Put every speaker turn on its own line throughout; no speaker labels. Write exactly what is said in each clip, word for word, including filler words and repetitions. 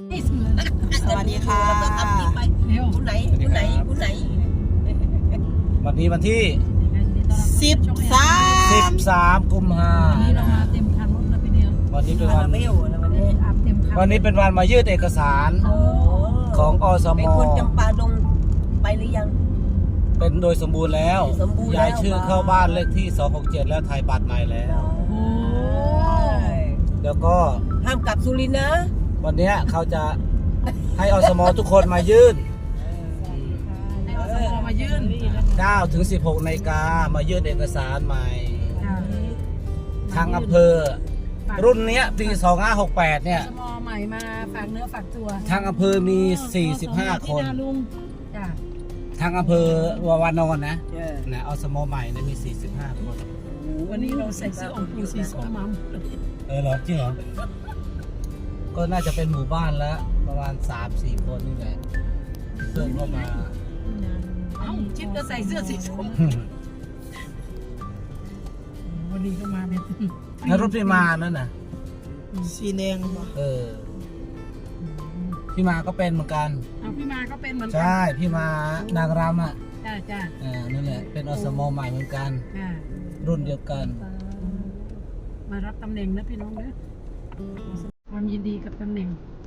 สวัสดีค่ะ
แล้วก็ทำคลิปไปผู้ไหนผู้ไหนผู้ไหน
วันนี้วันที่
สิบสาม
สิบสามกุมภา
วันนี้เรามาเต็มคันรถเลยพี่เดียว
วันนี้เป็น
มา
วัน
ไม่อยู่นะวันนี้
อาบเต็มคัน
วันนี้เป็นวันมายื่นเอกสาร
โอ้
ของอสม
เป็นคนจำปาดงไปหรือยัง
เป็นโดยสมบูรณ์แล้ว
สมบูรณ์แล้ว
ย้ายชื่อเข้าบ้านเลขที่สองหกเจ็ดแล้วไทยบัตรใหม่แล้ว
โอ้
แล้วก็
ห้ามกลับสุรินทร์นะ
วันเนี้ยเขาจะให้อสมทุกคนมายื่น
ให้อสมมายื่น
เก้าถึงสิบหกนาฬิกามายื่นเอกสารใหม่
ค่ะ
ทางอำเภอ รุ่นเนี้ยปีสองห้าหกแปดเนี่ย
อสมใหม่มาฝากเนื้อฝากตัว
ทางอำเภอมีสี่สิบห้าคน
พี่ลุงจ้ะ
ทางอำเภอวาวานอนนะนะอสมใหม่เนี่ยมีสี่สิบห้าคน
วันนี้เราใส่เสื้อองค์ปู่สีส้มมาหมดเลย
เออเหรอจริงเหรอ ก็น่าจะเป็นหมู่บ้านแล้วประมาณสามสี่คนนี่แหละเพิ่มเข้ามา
เอ้าชิดก็ใส่เสื้อสีส้มวันนี้ก็มาเป็น
แล้วรถพี่มานั่นน่ะ
สีแดงบ่
เออ พี่มาก็เป็นเหมือนกัน
เอาพี่มาก็เป็นเหมือนกั
ใช่ พี่มานางรำอ่ะ
จ้าจ้า
อ่านั่นแหละ เป็นอสมใหม่เหมือนกัน
ค่ะ
รุ่นเดียวกัน
มารับตำแหน่งนะพี่น้องเด้อความยินดีกับตำแหน่ง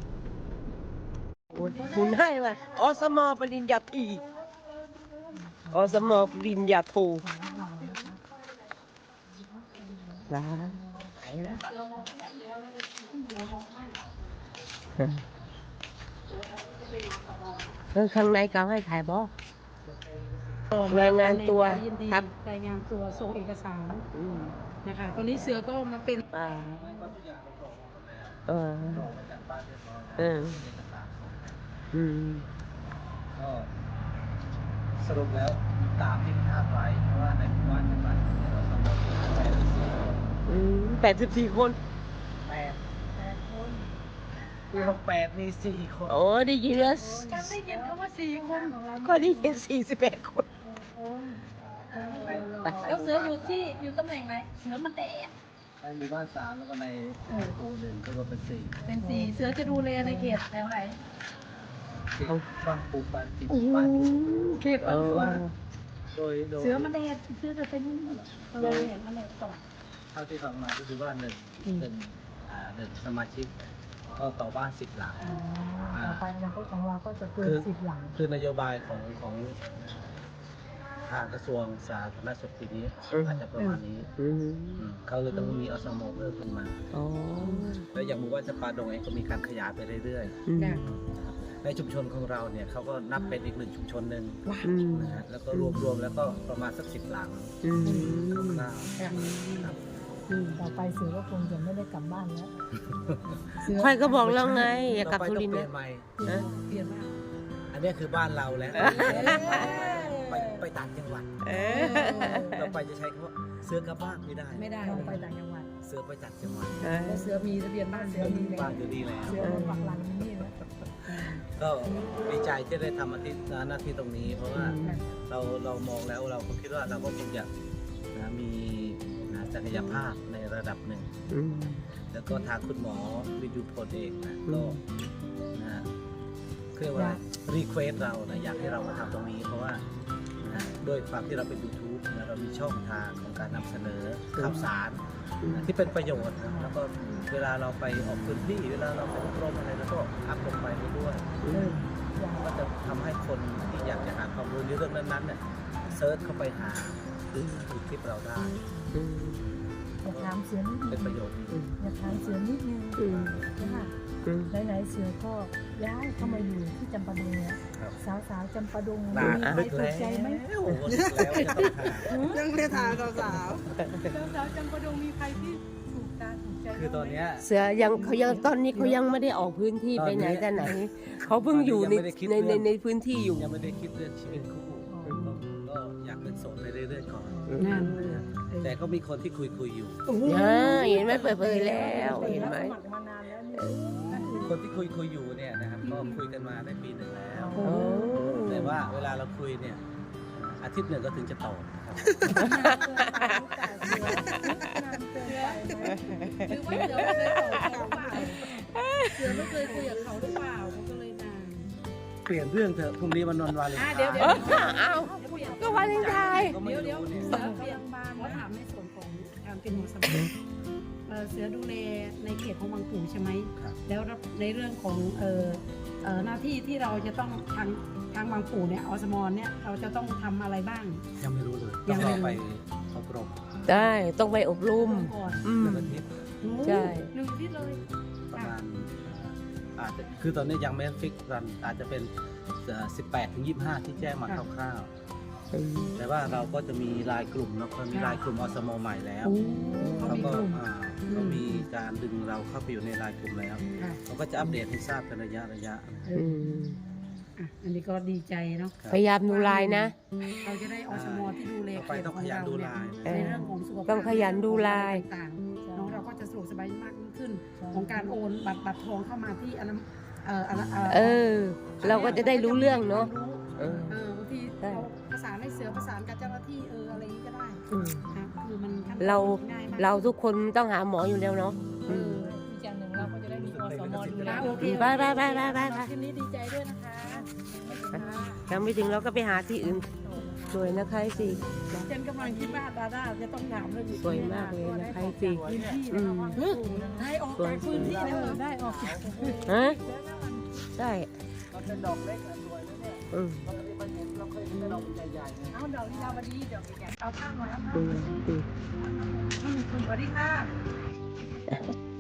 คุณให้มาอสมปริญญาตรีอสมปริญญาโทลาไหนแล้วเออข้างในเขาให้ถ่ายบอรายงานตัว
ยินดี
ครับ
รายงานตัวส่งเอกสาร
อืม
นะคะตอนนี้เสือก็มาเป็น
อ่าเออเอออืม
ก็สรุปแล้วตามที่คาดไว้เพราะว่าในหมู่บ้านเป็นบ้านที่อสมแปดสิบสี่คน
อืมแปดสิบสี่คน
แปดแปดคนปีหกแปดมีสี่คน
โอ้ได้ยินแล้ว
ฉันได้ยินคำว่าสี่คน
ก็ได้ยินสี่สิบแปดคน
แล้วเสืออยู่ที่อยู่ตำแหน่งไหนเสือมันแดด
ในหมู่บ้านสามแล้วก็ในหมู่หนึ่งก็เป็นสี่
เป็นสี่เสือจะดูแลในเขตแถวไหน
ที่บ้านปูบ้านติด
อื
บ้านติด
มเขต
เออ
โดยโดย
เสือมันแดดเสือจะเป็นเราเห็นมันแดดต่อ
เท่าที่ฟังมาก็คือว่าหนึ่งหนึ่งอ่าหนึ่งสมาชิกก็ต่อบ้านสิบหลัง
ต่อไปอนาคตของเราก็จะเกินสิบหลัง
คือนโยบายของของทางกระทรวงสาธารณสุขปีนี้อาจจะประมาณนี้
อืม
อืมเขาเลยต้องมีอสมเพิ่มขึ้นมา
อ๋อ
แล้วอย่างหมู่บ้านจำปาดงเองก็มีการขยายไปเรื่อย
อืม
จ้ะ
ๆในชุมชนของเราเนี่ยเขาก็นับเป็นอีกหนึ่งชุมชนหนึ่ง
อืม
นะฮะแล้วก็รวมๆแล้วก็ประมาณสักสิบหลัง
อืม
คร่าวๆครับ
ต่อไปเสือก็คงจะไม่ได้กลับบ้านแล้ว
ค่อยก็บอกแล้วไง อย่ากลับ
ต่อไป
สุ
ต้อ
ริ
ง
นท
เป
ร์
ลี่ย
นะ
นใหม่
นะ
เปลี่ยนมาก
อันนี้คือบ้านเราแล้วไปไปต่างจังหวัด
เออ
ต่อไปจะใช้คำว่าเสือกลับบ้านไม่ได้
ไม่ได้เราไปต่างจังหวัด
เสือไปต่างจังหวัด
เออ
แล้วเสือมีทะเบียนบ้านเสือมี
บ้านอยู่ดีแล้ว
เสือมันปักหลังที่นี่นะ
ก็ดีใจที่ได้ทำอาทิตย์หน้าที่ตรงนี้ เพราะว่าเราเรามองแล้วเราก็คิดว่าเราก็คงจะนะมีนะศักยภาพในระดับหนึ่ง
อืม
แล้วก็ทางคุณหมอวิจูพลเองนะก็นะเรียกว่ารีเควสเรานะอยากให้เรามาทำตรงนี้ เพราะว่านะด้วยความที่เราเป็น YouTube นะเรามีช่องทางของการนำเสนอข่าวสารนะที่เป็นประโยชน์นะแล้วก็เวลาเราไปออกพื้นที่เวลาเราไปอบรมอะไรแล้วก็อัพลงไปด้วย
อืม
ก็จะทำให้คนที่อยากจะหาความรู้ในเรื่องนั้นๆเนี่ยเซิร์ชเข้าไปหาดูคลิปเราได้
อืม
อยากถามเสือนิด
เป็
นึ
น
ง
ประโยชน์ดี
อยากถามเสือนิดนึง
อืม
ว่า
อืม
ไหนๆเสือก็ย้ายเข้ามาอยู่ที่จำปาดงแล้ว
ครับ
สาวๆจำปาดง
น่า
มีใคร
นึก
ถู
แล้
กใจไหม
วโอ้โหนึกแล้วจะต้องหา
ยังไม่ทานสาว
สาวๆจำปาดงมีใครที่ถูกตาถูกใจ
คือตอนเนี้ย
เสือยังเขายังตอนนี้เขายังไม่ได้ออกพื้นที่ไปไหนแต่ไหน เขาเพิ่งอยู่ใน
ยังไม่ได้คิด
ใน
เรื่
ใน
อง
ในพื้นที่อยู่
ยังไม่ได้คิดเรื่องชีวิตคู่ก็ก็อยากเป็นโสดไปเรื่อยๆก่อน
นั่น
แต่ก็มีคนที่คุยคุยๆอยู่
อ่าเห็นไหมเปิดเผยแล้วเห็นไหม
สมัครมานานแล้วนี่
คนที่คุยคุยๆอยู่เนี่ยนะครับก็คุยกันมาได้ปีหนึ่งแล้ว
โอ้
แต่ว่าเวลาเราคุยเนี่ยอาทิตย์หนึ่งก็ถึงจะตอบนะครับ
หรือว่าเสือไม่เคยตอบเขาหรือเปล่าเสือไม่เคยคุยกับเขาหรือเปล่า
เปลี่ยนเรื่องเถอะพรุ่งนี้วันนนวาเลนไทน์
เดี๋ยวเดี๋
เอ
ยว
อเอาก็วาเลนไทน์
ก็ไม่
เดี๋ยวเดี๋ยว
รู้เนี่ย
เสือเปลี่ยนบานขอถามในส่วนของการเป็นหัวสมองเอ่อเสือดูแลในเขตของบางปู่ใช่ไหม
ครับ
แล้วในเรื่องของเอ่อเอ่อหน้าที่ที่เราจะต้องทางทางบางปู่เนี่ยอสมเนี่ยเราจะต้องทำอะไรบ้าง
ยังไม่รู้เลย
ยั
ต้อง
ง
ร
ไม่
อ
รู้
ไปอบรม
ได้ต้องไปอบรม
ก่อน
อื
ห
ม
นึ่งอาทิตย์
ใช่
หนึ่งที่เลย
ประมาณเอ่ออาจจะคือตอนนี้ยังไม่ฟิกรันอาจจะเป็นสิบแปดถึงยี่สิบห้าที่แจ้งมาคร่าวๆแต่ว่าเราก็จะมีรายกลุ่มเนาะเรามีรายกลุ่มอสมใหม่แล้ว
โอ้เขา
เขา
มี
ก็
กลุ่ม
อ่าเขามีการดึงเราเข้าไปอยู่ในรายกลุ่มแล้ว
ค่ะ
เขาก็จะอัปเดตให้ทราบเป็นระยะระยะ
เอ
อื
อ
ม
อ่ะอันนี้ก็ดีใจเนาะ
ครับ
พยายามดูไลน์นะ
เราจะได้อสมที่ดูแล
ต่อ
เข
ไป
ต
ต้อง
ขอ
ข
ง
ยัน
เรา
ดู
เนี่ย
ไลน์
ในเรื่องของสุขภาพ
ต้องขยันดูไลน์
ต่างๆเนาะเราก็จะสะดวกสบายมากยิ่งขึ้น ของการโอนบัตรบัตรทองเข้ามาที่อันนั้นเอ่ออันนั้น
เออ เราก็จะได้รู้เรื่องเนาะเออ
เออบางที
ใช่
เราประสานให้เสือประสานกับเจ้าหน้าที่เอออะไรอย่างนี้ก็ได้
อืม
นะคือมันขั้นตอน
เรา
ง่ายมาก
เราทุกคนต้องหาหมออยู่แล้วเนาะ
เออ
อีกอย่างหนึ่งเราก็จะได้มีอสมดูแล
อ่ะโอเค
ไปไปไปไปไปไป
คลิปนี้ดีใจด้วยนะคะ
ยังไม่ถึงเราก็ไปหาที่อื่น สวยนะคะสิ
เจนกำลังคิดว่าดาด้าจะต้องถามเรื่องนี้
สวยมากเลยนะคะสิ
พื้นที่
อื
นะ
ม
ได้ออกจากพื้นที่แล้วได้ออกจาก
ฮะใช่
มันเป็นดอกเล็กนะสวยนะเนี่ย
อืม
ปกติมันเห็นเราเคยเห็นแต่ดอกใหญ่ๆนะ
เอาดอกลีลาวดีดอกใหญ่ๆเอาข้างหน่อยเอาข้าง
อืมอืม
สวัสดีค่ะ